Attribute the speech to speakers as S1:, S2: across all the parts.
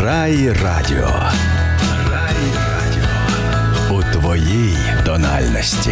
S1: Райрадіо. У твоїй тональності.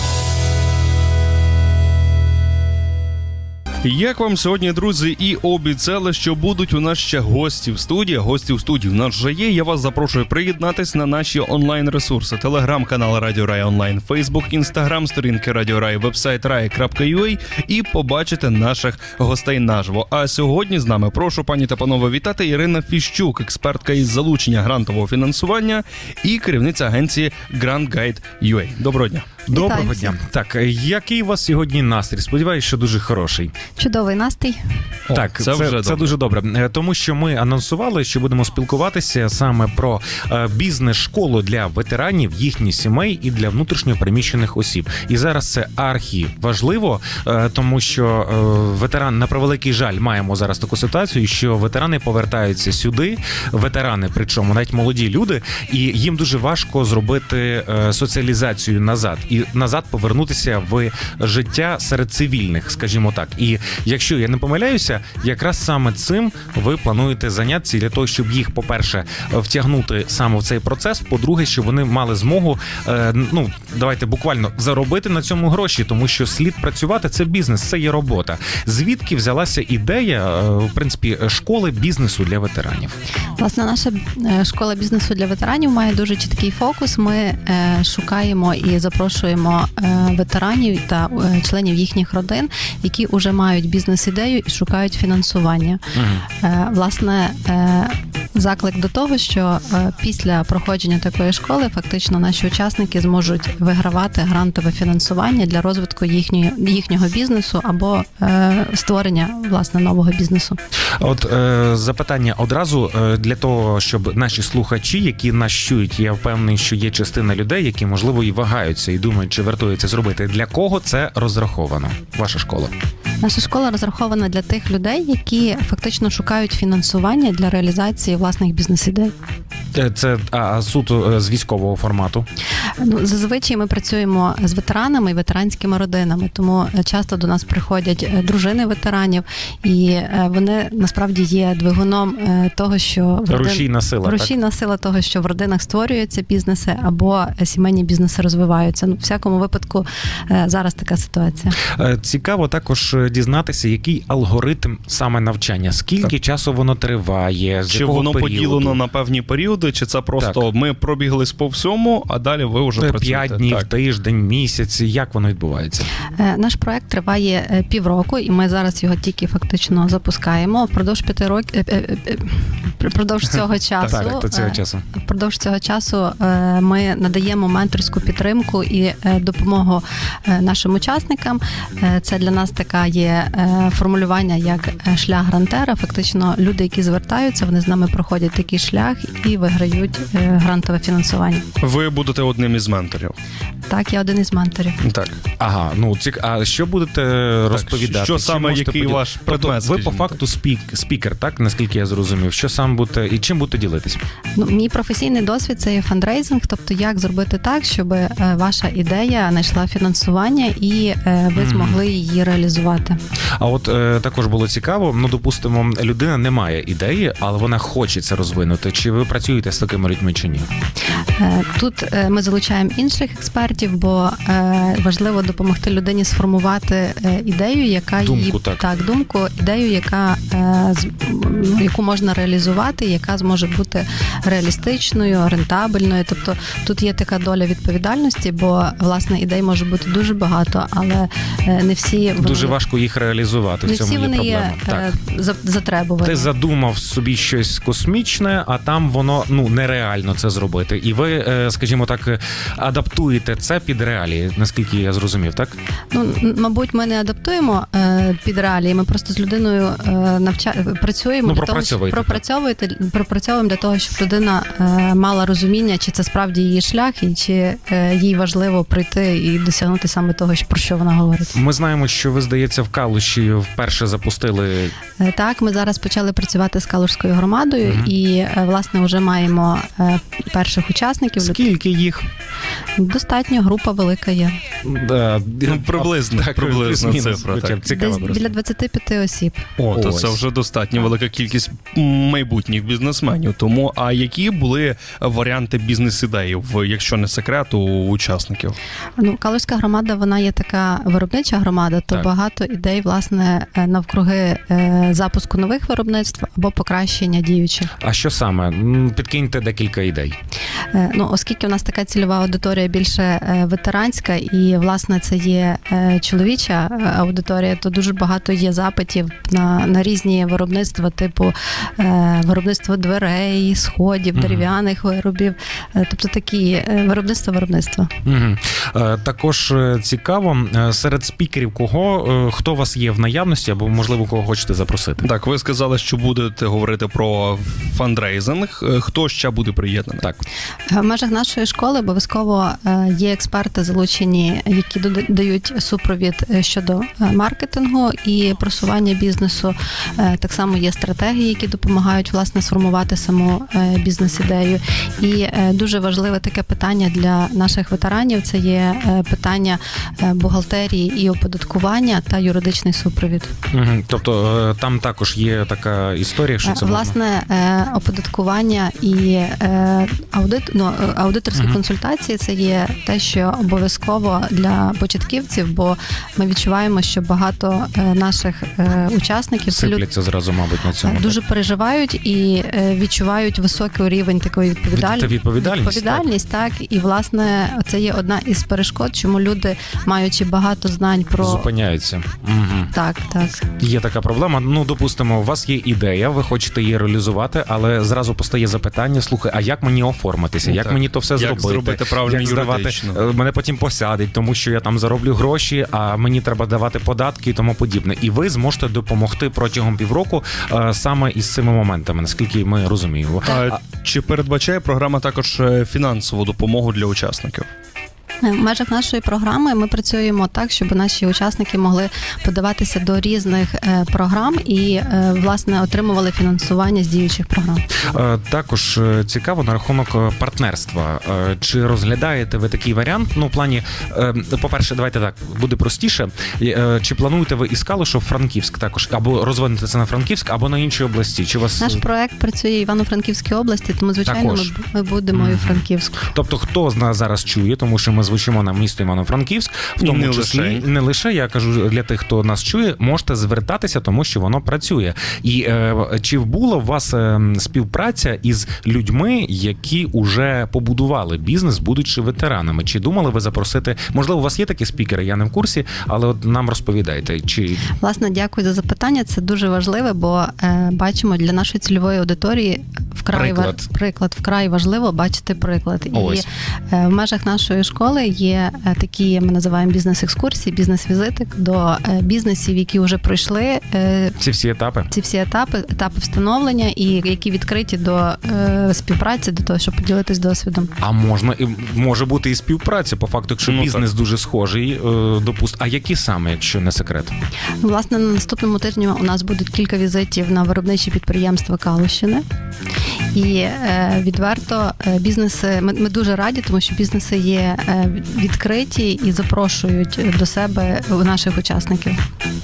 S2: Як вам сьогодні, друзі, і обіцяли, що будуть у нас ще гості в студії. Гості в студії у нас вже є. Я вас запрошую приєднатись на наші онлайн-ресурси. Телеграм-канал Радіо Рай Онлайн, Фейсбук, Інстаграм, сторінки Радіо Рай, вебсайт rai.ua і побачити наших гостей наживо. А сьогодні з нами, прошу, пані та панове, вітати Ірина Фіщук, експертка із залучення грантового фінансування і керівниця агенції GrantGuide.ua. Доброго дня.
S3: Доброго дня. Так, який у вас сьогодні настрій? Сподіваюсь, що дуже хороший.
S4: Чудовий настрій.
S3: Так, це дуже добре. Тому що ми анонсували, що будемо спілкуватися саме про бізнес-школу для ветеранів, їхніх сімей і для внутрішньо переміщених осіб. І зараз це архіважливо, тому що ветеран, на превеликий жаль, маємо зараз таку ситуацію, що ветерани повертаються сюди, ветерани, причому навіть молоді люди, і їм дуже важко зробити соціалізацію назад. І назад повернутися в життя серед цивільних, скажімо так. І якщо я не помиляюся, якраз саме цим ви плануєте зайнятися для того, щоб їх, по-перше, втягнути саме в цей процес, по-друге, щоб вони мали змогу, давайте буквально заробити на цьому гроші, тому що слід працювати, це бізнес, це є робота. Звідки взялася ідея, в принципі, школи бізнесу для ветеранів?
S4: Власне, наша школа бізнесу для ветеранів має дуже чіткий фокус. Ми шукаємо і запрошуємо ветеранів та членів їхніх родин, які вже мають бізнес-ідею і шукають фінансування. Власне, заклик до того, що після проходження такої школи фактично наші учасники зможуть вигравати грантове фінансування для розвитку їхнього бізнесу або створення, власне, нового бізнесу.
S3: От запитання одразу для того, щоб наші слухачі, які нас чують, я впевнений, що є частина людей, які, можливо, і вагаються, і думають, чи вартує це зробити. Для кого це розраховано, ваша школа?
S4: Наша школа розрахована для тих людей, які фактично шукають фінансування для реалізації власних бізнес-ідей.
S3: Це суто з військового формату?
S4: Зазвичай ми працюємо з ветеранами і ветеранськими родинами, тому часто до нас приходять дружини ветеранів, і вони насправді є двигуном того, що рушійна сила того, що в родинах створюються бізнеси або сімейні бізнеси розвиваються. В всякому випадку зараз така ситуація.
S3: Цікаво також дізнатися, який алгоритм саме навчання, скільки часу воно триває, з якого
S2: воно
S3: періоду?
S2: Поділено на певні періоди, чи це просто ми пробіглись по всьому, а далі ви вже працюєте?
S3: 5 днів, тиждень, місяць, як воно відбувається?
S4: Наш проект триває півроку, і ми зараз його тільки фактично запускаємо. Впродовж цього часу ми надаємо менторську підтримку і допомогу нашим учасникам. Це для нас така є формулювання як шлях грантера. Фактично люди, які звертаються, вони з нами проходять такий шлях і виграють грантове фінансування.
S2: Ви будете одним із менторів?
S4: Так, я один із менторів.
S2: Так.
S3: Ага, а що будете розповідати?
S2: Що саме, який ваш предмет?
S3: Ви по факту спікер, так, наскільки я зрозумів? Що сам будете і чим будете ділитись?
S4: Мій професійний досвід – це є фандрейзинг, тобто як зробити так, щоб ваша ідея знайшла фінансування і ви змогли її реалізувати.
S3: А от також було цікаво, допустимо, людина не має ідеї, але вона хоче це розвинути. Чи ви працюєте з такими людьми чи ні?
S4: Тут ми залучаємо інших експертів, бо важливо допомогти людині сформувати ідею, яка яку можна реалізувати, яка зможе бути реалістичною, рентабельною. Тобто тут є така доля відповідальності, бо власне ідей може бути дуже багато, але не всі
S3: дуже важко їх реалізувати. В цьому є проблема.
S4: Є затребувані.
S3: Ти задумав собі щось космічне, а там воно нереально це зробити. І ви, скажімо так, адаптуєте це під реалії, наскільки я зрозумів, так?
S4: Мабуть, ми не адаптуємо під реалії, ми просто з людиною працюємо, пропрацьовуємо для того, щоб людина мала розуміння, чи це справді її шлях, і чи їй важливо прийти і досягнути саме того, про що вона говорить.
S3: Ми знаємо, що ви, здається, в Калуші вперше запустили...
S4: Так, ми зараз почали працювати з Калушською громадою, і, власне, вже маємо перших учасників.
S3: Скільки їх?
S4: Достатньо, група велика є.
S2: Приблизно цифра.
S4: Десь біля 25 осіб.
S2: То це вже достатньо велика кількість майбутніх бізнесменів. Тому, а які були варіанти бізнес-ідей, якщо не секрет, у учасників?
S4: Калузька громада, вона є така виробнича громада, то
S3: Так.
S4: багато ідей, власне, навкруги запуску нових виробництв або покращення діючих.
S3: А що саме? Підкиньте декілька ідей.
S4: Оскільки у нас така цільова аудиторія більше ветеранська, і, власне, це є чоловіча аудиторія, то дуже багато є запитів на різні виробництва, типу виробництво дверей, сходів, дерев'яних виробів, тобто такі виробництва.
S3: Угу. Також цікаво, серед спікерів хто у вас є в наявності, або, можливо, кого хочете запросити?
S2: Так, ви сказали, що будете говорити про фандрейзинг. Хто ще буде приєднаний?
S3: Так.
S4: В межах нашої школи обов'язково є експерти залучені, які дають супровід щодо маркетингу і просування бізнесу. Так само є стратегії, які допомагають, власне, сформувати саму бізнес-ідею. І дуже важливе таке питання для наших ветеранів – це є питання бухгалтерії і оподаткування та юридичний супровід.
S3: Угу. Тобто там також є така історія, що це
S4: власне оподаткування і аудиторські консультації – це є те, що обов'язково для початківців, бо ми відчуваємо, що багато наших учасників
S3: сипляться зразу, мабуть, на цьому.
S4: Дуже переживають і відчувають високий рівень такої відповідальність, так. І, власне, це є одна із перешкод, чому люди, маючи багато знань про...
S3: Зупиняються. Угу.
S4: Так.
S3: Є така проблема. Допустимо, у вас є ідея, ви хочете її реалізувати, але зразу постає запитання, слухай, а як мені оформитися? Як мені то все зробити?
S2: Як зробити правильно юридично?
S3: Мене потім посадять, тому що я там зароблю гроші, а мені треба давати податки і тому подібне. І ви зможете допомогти протягом півроку саме із цими моментами, наскільки ми розуміємо.
S2: Чи передбачає програма також фінансову допомогу для учасників?
S4: В межах нашої програми ми працюємо так, щоб наші учасники могли подаватися до різних програм і, власне, отримували фінансування з діючих програм.
S3: Також цікаво на рахунок партнерства. Чи розглядаєте ви такий варіант? В плані, по-перше, давайте так, буде простіше. Чи плануєте ви із Калушу в Франківськ також? Або розвинути це на Франківськ, або на іншій області? Чи вас...
S4: Наш проект працює в Івано-Франківській області, тому, звичайно, ми будемо і у Франківську.
S3: Тобто, хто з нас зараз чує, тому що ми звучимо на місто Івано-Франківськ, в тому числі не лише, я кажу для тих, хто нас чує, можете звертатися, тому що воно працює. І чи була у вас співпраця із людьми, які вже побудували бізнес, будучи ветеранами? Чи думали ви запросити? Можливо, у вас є такі спікери, я не в курсі, але от нам розповідайте.
S4: Власне, дякую за запитання. Це дуже важливе, бо бачимо, для нашої цільової аудиторії вкрай важливо бачити приклад.
S3: Ось.
S4: І в межах нашої школи є такі, ми називаємо бізнес-екскурсії, бізнес-візити до бізнесів, які вже пройшли
S3: ці всі етапи
S4: встановлення і які відкриті до співпраці, до того, щоб поділитись досвідом.
S3: А може бути і співпраця, по факту, якщо бізнес дуже схожий, а які саме, якщо не секрет?
S4: Власне, на наступному тижні у нас будуть кілька візитів на виробничі підприємства Калущини. І відверто бізнеси, ми дуже раді, тому що бізнеси є відкриті і запрошують до себе наших учасників.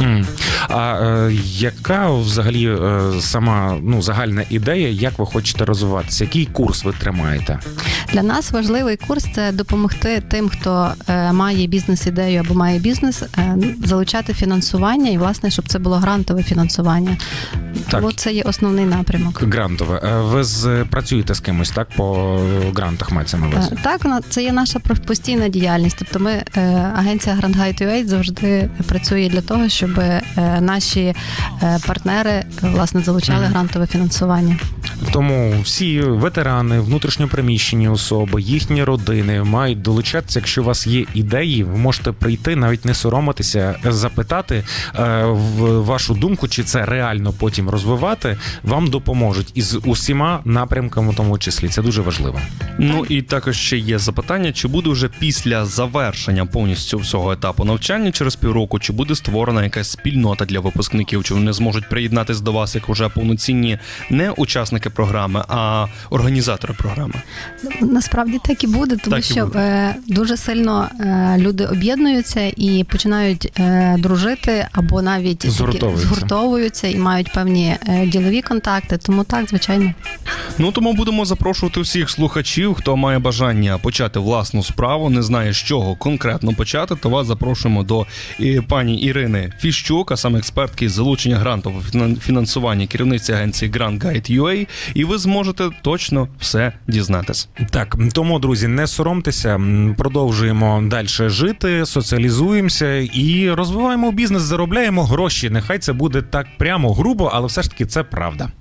S3: А яка взагалі сама загальна ідея, як ви хочете розвиватися? Який курс ви тримаєте?
S4: Для нас важливий курс – це допомогти тим, хто має бізнес-ідею або має бізнес, залучати фінансування і, власне, щоб це було грантове фінансування. Тому це є основний напрямок.
S3: Грантове. Ви працюєте з кимось, так, по грантах мається на увазі?
S4: Так, це є наша постійна діяльність. Тобто ми, агенція Grant Guide UA завжди працює для того, щоб наші партнери, власне, залучали грантове фінансування.
S3: Тому всі ветерани, внутрішньопереміщені особи, їхні родини мають долучатися. Якщо у вас є ідеї, ви можете прийти, навіть не соромитися, запитати вашу думку, чи це реально потім розвивати, вам допоможуть із усіма напрямками, в тому числі. Це дуже важливо.
S2: І також ще є запитання, чи буде вже після завершення повністю всього етапу навчання через півроку, чи буде створена якась спільнота для випускників, чи вони зможуть приєднатися до вас як уже повноцінні не учасники учасники програми, а організатори програми?
S4: Насправді так і буде, тому
S2: Так і
S4: що
S2: буде.
S4: дуже сильно люди об'єднуються і починають дружити або навіть згуртовуються і мають певні ділові контакти. Тому так, звичайно.
S2: Ну, тому будемо запрошувати всіх слухачів, хто має бажання почати власну справу, не знає, з чого конкретно почати, то вас запрошуємо до пані Ірини Фіщук, а саме експертки з залучення грантового фінансування, керівниці агенції Grant Guide UA, і ви зможете точно все дізнатись.
S3: Так, тому, друзі, не соромтеся, продовжуємо далі жити, соціалізуємося і розвиваємо бізнес, заробляємо гроші. Нехай це буде так прямо грубо, але все ж таки це правда.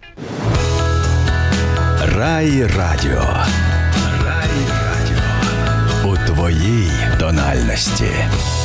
S1: Рай Радіо. Рай Радіо. У твоїй тональності.